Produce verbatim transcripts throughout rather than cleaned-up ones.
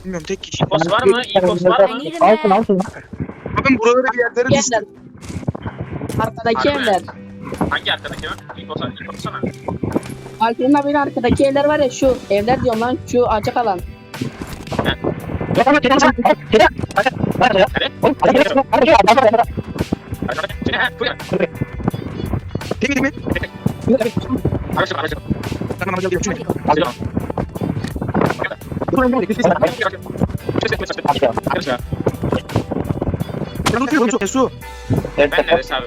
Bilmiyorum tek kişi. İpos var mı? İpos var mı? Altın altın. Bakın buraları bir yerlere düştü. Evler. Arkadaki Harbi mi? evler. Hangi arkadaki mi? İpos İpos sana. Alper'in abinin arkadaki evler var ya şu evler diyorum lan şu açık alan. Hadi. Temiz mi? Araç araç. Tamam hadi gel. Şunu. Hadi. Ben unutuyorum çok Esu. Ben de abi.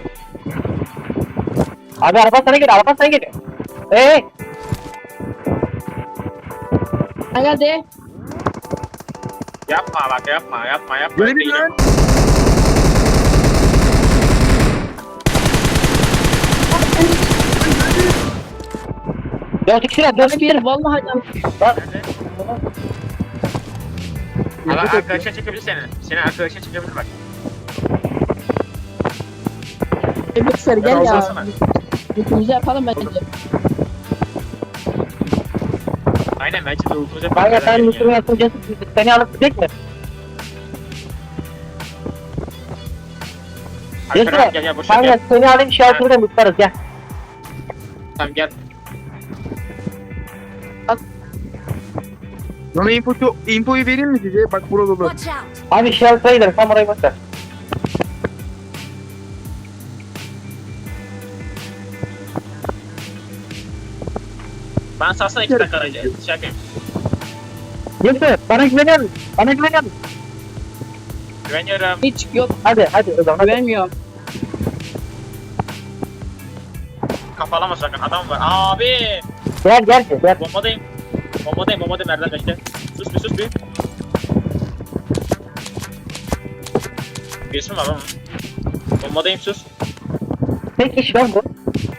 Abi araba sana geliyor, araba sana geliyor. Hey! Ha geldi. Yapma bak yapma yapma yapma. Görelim lan. Dört kişiler, dört kişiler. Bir vallahi can. Abi arkadaşlar çekebilir seni. Seni arkadaşlar çekebilir bak. Boşver gel Ben ya. olsana. Bütünümüzü yapalım bence. Aynen bence de ultumuza Kanka sen Müslüman yapınca seni alıp gidecek mi? Alper gel gel boşver Kanka gel. seni alayım şartını da mutlarız gel. Tamam gel. Bana infoyu, infoyu vereyim mi size? Bak burada dolu. Watch out! Abi şartına gidelim tam orayı boş ver. Ben sarsana iki dakika arayacağım. Şey yapayım. Yusuf bana güveniyor musun? Bana güveniyor musun? Güveniyorum. Hiç yok Hadi hadi o zaman hadi. güvenmiyorum. Kafalama sakın adam var. Abi. Gel gel gel. Bombadayım. Bombadayım bombadayım nereden bekle. Sus bir sus bir. Birisi mi var ama? Bombadayım sus. Tek kişi lan bu.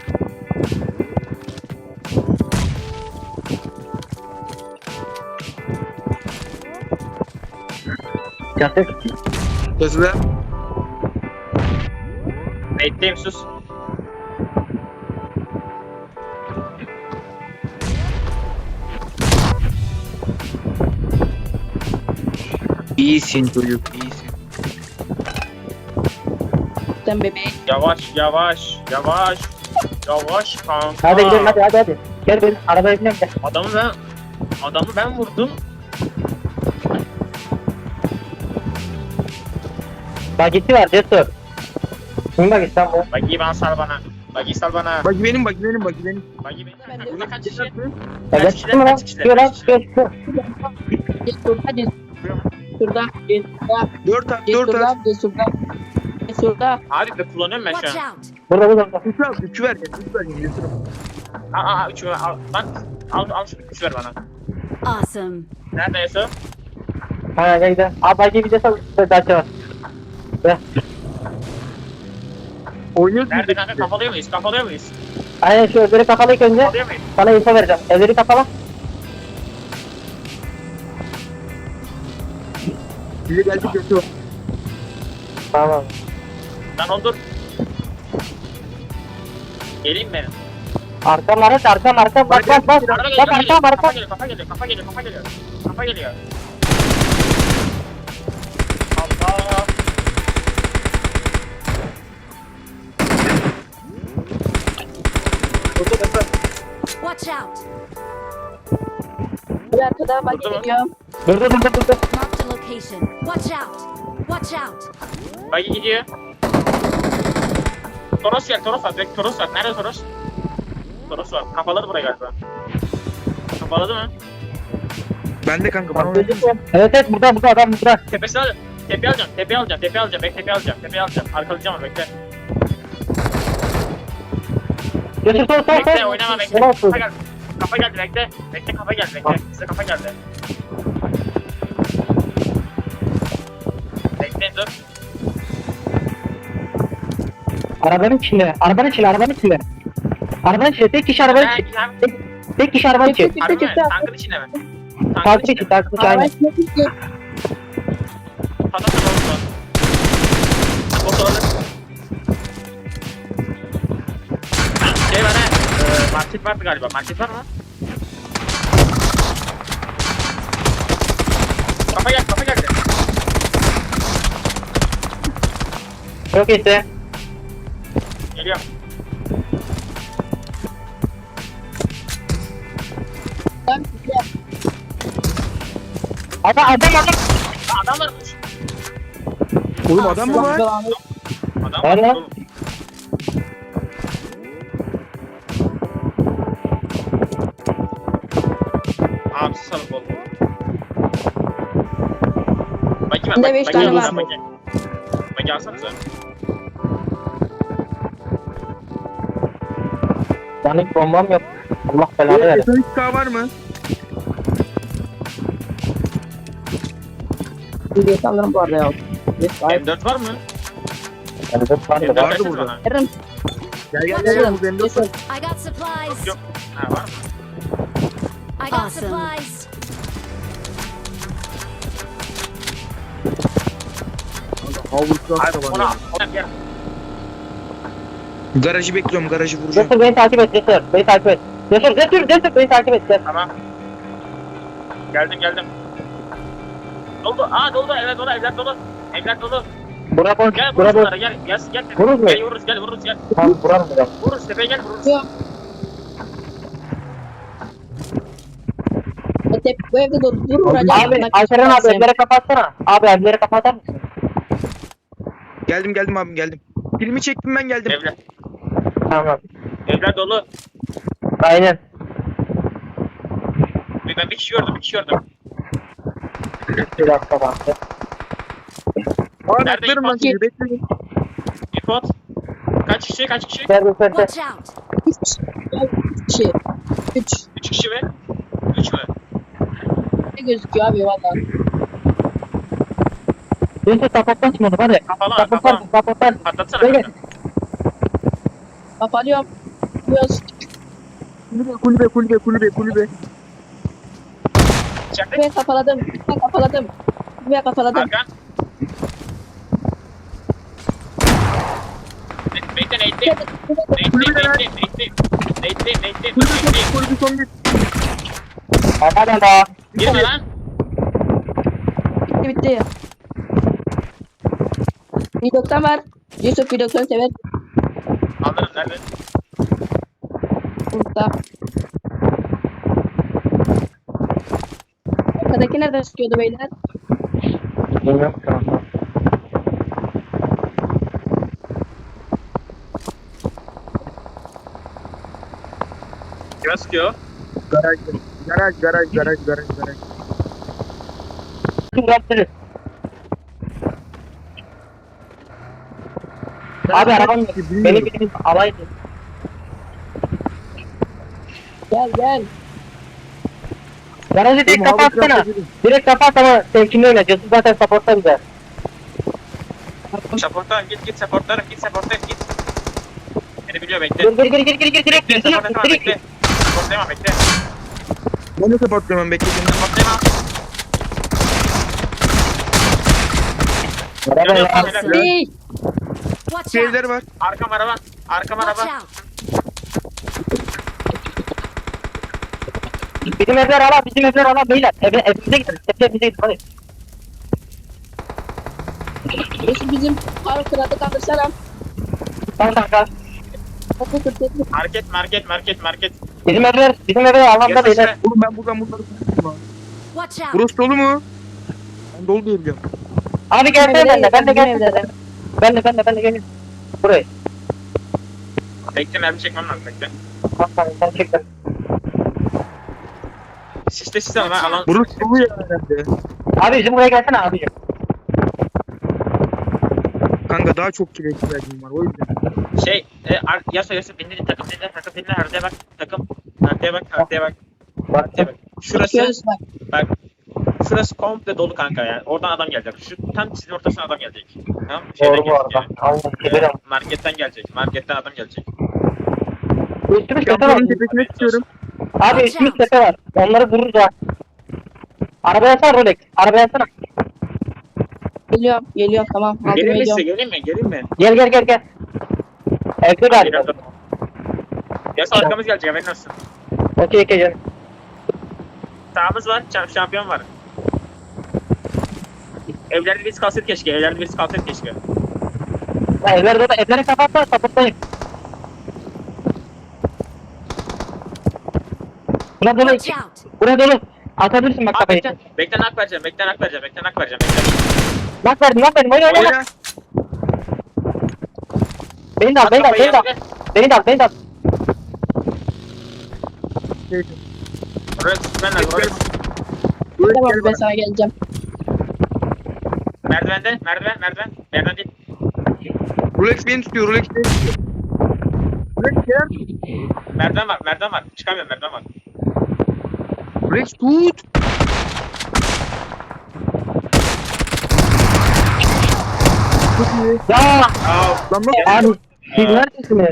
Cansız. Hızlı. Bekleyeyim sus. İyisin çocuk iyisin. Sen bebeğin. Yavaş yavaş yavaş. Yavaş kanka. Hadi gidelim hadi hadi hadi. Gel benim arabaya binelim gel. Adamı ben adamı ben vurdum. Bagisi var Cesur. Kim bagisi lan bu? Bagi bana sal bana. Bagi sal bana. Bak benim bak benim bak benim. Bagi benim. Ben de- Burada kaç kişi? Ya Kaç gel kişiler, mi lan? kaç kişiler, Çıkıyor lan kaç kişiler? çıkıyor çıkıyor. Cesurda cesurda. Cesurda. Cesurda. Dört at dört Cesurda. at. Cesurda. Cesurda. Abi be kullanıyorum ben şu Watch an. out! Burada burada. Üç al üç ver ya üç ver ya Yusuf. Aa aa üçü ver al. Lan al al şu üçü ver bana. Awesome! Nerede Yusuf? Ha gel gidelim. Abi bagi bir de sal. Daha var. Gel. Oynuyorsun. Nerede kanka kafalıyor muyuz? Kafalıyor muyuz? Aynen şu evleri kapalı ilk önce. Kafalıyor muyuz? Sana info vereceğim. Evleri kapalı. Size geldik Yusuf. Tamam. Lan ondur. Geleyim mi? Arkam araç arkam arkam bak bak bak. Araba geliyor, Bak kafa arkam geliyor, arkam. kafa geliyor, kafa geliyor, kafa geliyor, kafa geliyor, kafa geliyor. Allah. Watch out! Bir arkada bak Burada mı? geliyor. Dur dur dur dur dur. Marked a location. Watch out! Watch out! Bagi gidiyor. Toros gel, Toros var, direkt Toros var. Nerede Toros? Toros var. Kafaladı burayı galiba. Kafaladı mı? Ben de kanka bana oynuyor. Evet evet burada burada adam burada. Tepesini alacağım. Tepe alacağım, tepe alacağım, tepe alacağım, bekle tepe alacağım, tepe alacağım. Arkalayacağım onu, bekle. Götür sol sol Bekle, sol. oynama, bekle. Ne olsun? Kafa geldi. Kafa geldi, bekle. Bekle, kafa geldi, bekle. Size kafa geldi. Bekleyin, dur. Arabanın içinde. Arabanın içinde arabanın içinde. Arabanın içinde tek kişi arabanın Ha, içinde. ha, Tek, tek kişi arabanın içinde. Çıktı harbi mi? çıktı. Tankın içinde mi? Tankın Takip içinde için mi? takip için aynen. Araç ne çıktı? Patlat olsun. Bot olabilir. Şey var ha. E, market vardı galiba. Market var mı? Kafa geldi, kafa geldi. Çok iyisi. Geliyorum. Lan, ya. Adam adam adam. Aa, adam varmış. Oğlum adam mı var? Adam Var var. lan. oğlum. Abi salık oldu. Bagi ver, Bende bagi, beş bagi tane alsana, var. bagi. Bagi alsanıza. Yani hiç bombam yok. Allah belanı versin. S on iki K var mı? Bir alırım bu arada ya. Yes, M dört var mı? Yani dört var M da dört var. Vardı versene burada. bana. Veririm. Gel gel gel. Veririm. Bu benim de- Yes, sir. I got supplies. Yok. Ha var mı? I got supplies. Havlusu Abi da ona, var. ona gel. Garajı bekliyorum. Garajı vuracağım. Cesur beni takip et Cesur. Beni takip et. Cesur Cesur Cesur beni takip et. Gel. Tamam. Geldim geldim. Doldu. Aa doldu. Evet dolu. Evler dolu. Evler dolu. Bura boş. Gel Bura vururuz boş. bunlara. Gel. Gel. Gel. Vururuz mu? Gel vururuz. Gel vururuz. Gel. Tamam buram buram. Vururuz. Tepeye gel vururuz. Yok. E, tep- Bu evde dur. Dur vuracağım. Abi Bak, Alperen abi sen- evleri kapatsana. Abi evleri kapatır mısın? Geldim geldim abim geldim. Filmi çektim ben geldim. Evler. Tamam. Evler dolu. Aynen. Bir- Ben bir kişi gördüm. Bir kişi gördüm. Bir dakika bak. Abi Nerede atlarım ben İrfan? sizi bekleyin. İpot. Kaç kişi? Kaç kişi? Servis servis. Watch out. Üç kişi. Üç kişi. Üç. Üç kişi mi? Üç mü? Ne gözüküyor abi valla. Cesur kapatmaz mı onu hadi. Kafalı Kapatmaz kafalı. kapatmaz. Patlatsana. Gel gel. kanka. Kapatıyorum. Biraz. Kulübe kulübe kulübe kulübe kulübe. İçeride. Ben kafaladım. Ben kafaladım. Ben kafaladım. Arkan. Be- Bekle Nate'deyim. Nate'deyim. Nate'deyim. Nate'deyim. Nate'deyim. Nate'deyim. Kulübe son Nate'deyim. kulübe son bir. Hadi hadi. Girme lan. Bitti bitti. bir doksan var. Yusuf bir doksan sever. Alırım. Nerede? Burada. Arkadaki nereden sıkıyordu beyler? Bilmiyorum tamam. Kime sıkıyor? Garaj garaj garaj garaj garaj garaj. Kim yaptınız? Abi arabam yok. Beni biriniz alaydı. Gel gel. Garajı direkt Oğlum, havlu kapatsana. kıyafeti- Direkt kapat ama temkinli oyna. Cesur zaten supportta bize. Supportlarım git git supportlarım git supportlarım git. Beni biliyor bekle. Gir gir gir gir gir gir direkt Bekle gir direkt supportlayamam direkt bekle. gir. Supportlayamam bekle. Ben de supportluyorum ben bekledim. Supportlayamam. Araba ya. Awesome. Hey. Watch Şeyler out. var. Arkam araba. Arkam Watch araba. out. Bizim evler ala bizim evler ala beyler. Eve, evimize gidelim. Evimize gidelim hadi. Yusuf bizim park kralı kaldırsana. Tamam kanka. Kapı kırtıklı. Market market market market. Bizim evler bizim evler alanda Yazı beyler. sıra. Oğlum ben buradan bunları tuttum lan. Watch out. Burası dolu mu? Ben dolu diye biliyorum. Abi gelsene ben de ben de Bizim gelsene. evlere. Ben de ben de ben de gelin. Buraya. Bekle mermi çekmem lazım bekle. Tamam tamam sen çek lan. Siste siste ama ben alan. Burası dolu ya herhalde. Abi bizim buraya gelsene abicim. Kanka daha çok kire ihtiyacım var o yüzden. Şey, e, ar- yasa yasa dinle takım dinle takım dinle haritaya bak takım haritaya bak haritaya bak haritaya bak. Şurası Bakıyoruz bak. bak şurası komple dolu kanka yani oradan adam gelecek. Şu tam çizginin ortasına adam gelecek. Tamam mı? Şeyden Doğru bu gelecek arada. yani. Allah Ee, gidelim. marketten gelecek. Marketten adam gelecek. Üstümüz tepe var. Kaplanın tepesine çıkıyorum. Abi üstümüz tepe var. Onları vururuz ha. Arabaya sar Rolex. Arabaya sar. Geliyorum. Geliyorum tamam. Aldım Gelin mi size geliyorum. gelin mi gelin mi? Gel gel gel gel. Evde galiba. Yasa arkamız gelecek haberin olsun. Okey okey canım. Sağımız var şam- şampiyon var. Evlerde birisi kalsaydı keşke. Evlerde birisi kalsaydı keşke. Ya evlerde de evlere kapatma sapıtmayın. Buna dolu Watch iki. out! Buraya dolu. Atabilirsin bak Abi kafayı. bekle. Bekle nak vereceğim. Bekle nak vereceğim. Bekle nak vereceğim. Bekle. Bak verdim bak verdim. Oyna oyna oyna. Oyna. Beni de al At beni de al kafayı beni de al. yerine. Beni de al beni de al. Rolex ben lazım. Rolex. Rolex Tamam gel ben bana. sana geleceğim. Merdivende. Merdiven. Merdiven. Merdiven değil. Rolex beni tutuyor. Rolex beni tutuyor. Rolex gel. Merdiven var. Merdiven var. Çıkamıyorum. Merdiven var. Rolex tut. Çok iyi. Ya Aa. Lan nasıl? abi siz neredesiniz?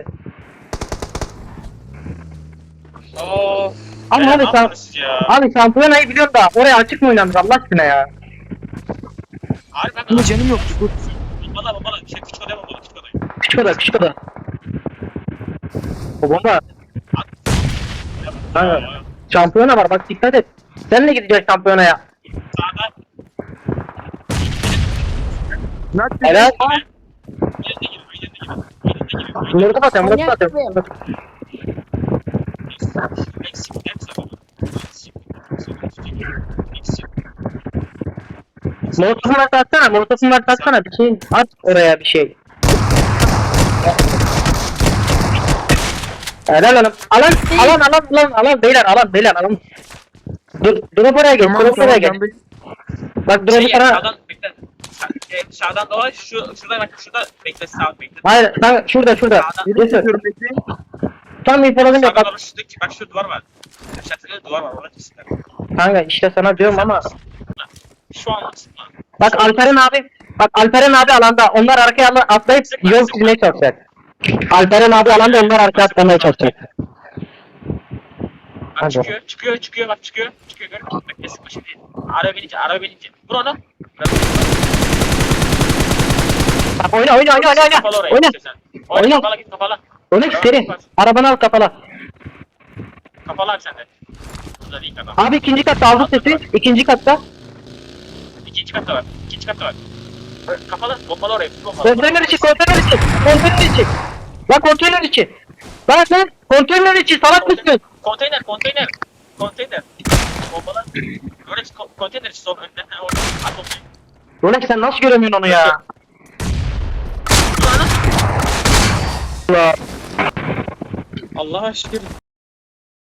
Of. Ama Ya, abi ne sen yapıyorsunuz ya? abi şampiyonayı biliyorum da oraya açık mı oynanır Allah aşkına ya? Abi ben Ama canım yoktu. Dur. Bombala bombala. Şey küçük odaya bombala. Küçük odaya. Küçük oda küçük oda. O bomba Aa, şampiyona var bak dikkat et. Senle gideceğiz şampiyonaya. Sağda. Nak Evet. Yerine gir. Yerine gir. Yerine gir. Bunları kapatıyorum bunları Manyak kapatıyorum. mıyım? Eksik. Eksik. Eksik. Eksik. Molotofun varsa atsana molotofun varsa atsana bir şey at oraya bir şey. Helal hanım. Alan alan alan alan alan beyler alan beyler alan. Dur drop oraya geç Tamam drop oraya tamam. geç. Can Bey. Bak drop'u Şey, sana. sağdan bekle. Sa- e, Sağdan dolaş. Şu şurada bak. Şurada bekle. Sağ bekle. Hayır sen şurada şurada. Beni Neyse. tutuyorum bekleyin. Tam infoladım ya Sağdan bak. dolaş. Şuradaki bak şu duvar var. Aşağıda duvar var. Orada kesin. Kanka işte sana diyorum ama. Şu an aslında. Bak Alperen abi. Bak Alperen abi alanda. Onlar arkaya al- atlayıp yol çizmeye çalışacak. Alperen abi alanda onlar arkaya atlamaya çalışacak. Bak Hadi. çıkıyor. Çıkıyor. Çıkıyor. Bak çıkıyor. Çıkıyor. Gör. Bekle sıkma şimdi. Araba binince. Araba binince. Vur onu. Bak oyna oyna oyna oyna Kapalı oyna. orayı Oyna. istiyorsan. Oyna. Oyna. Kapalı git kapalı. Oyna seri. Arabanı al kapala. Kapalı abi sen de. Burada değil adam. Abi ikinci katta aldı sesi. İkinci katta. İkinci katta var. İkinci katta var. Kapalı. Bombalı orayı. Bombalı. Konteyner içi konteyner içi. Konteyner içi. Bak konteyner içi. Bak lan konteyner içi salak mısın? Konteyner, konteyner. Konteyner. Bombalı. Rolex ko- konteyner için son önden. Ha, orada. At bombayı. Rolex sen nasıl göremiyorsun onu ya? Dur lan. Allah. Allah'a şükür.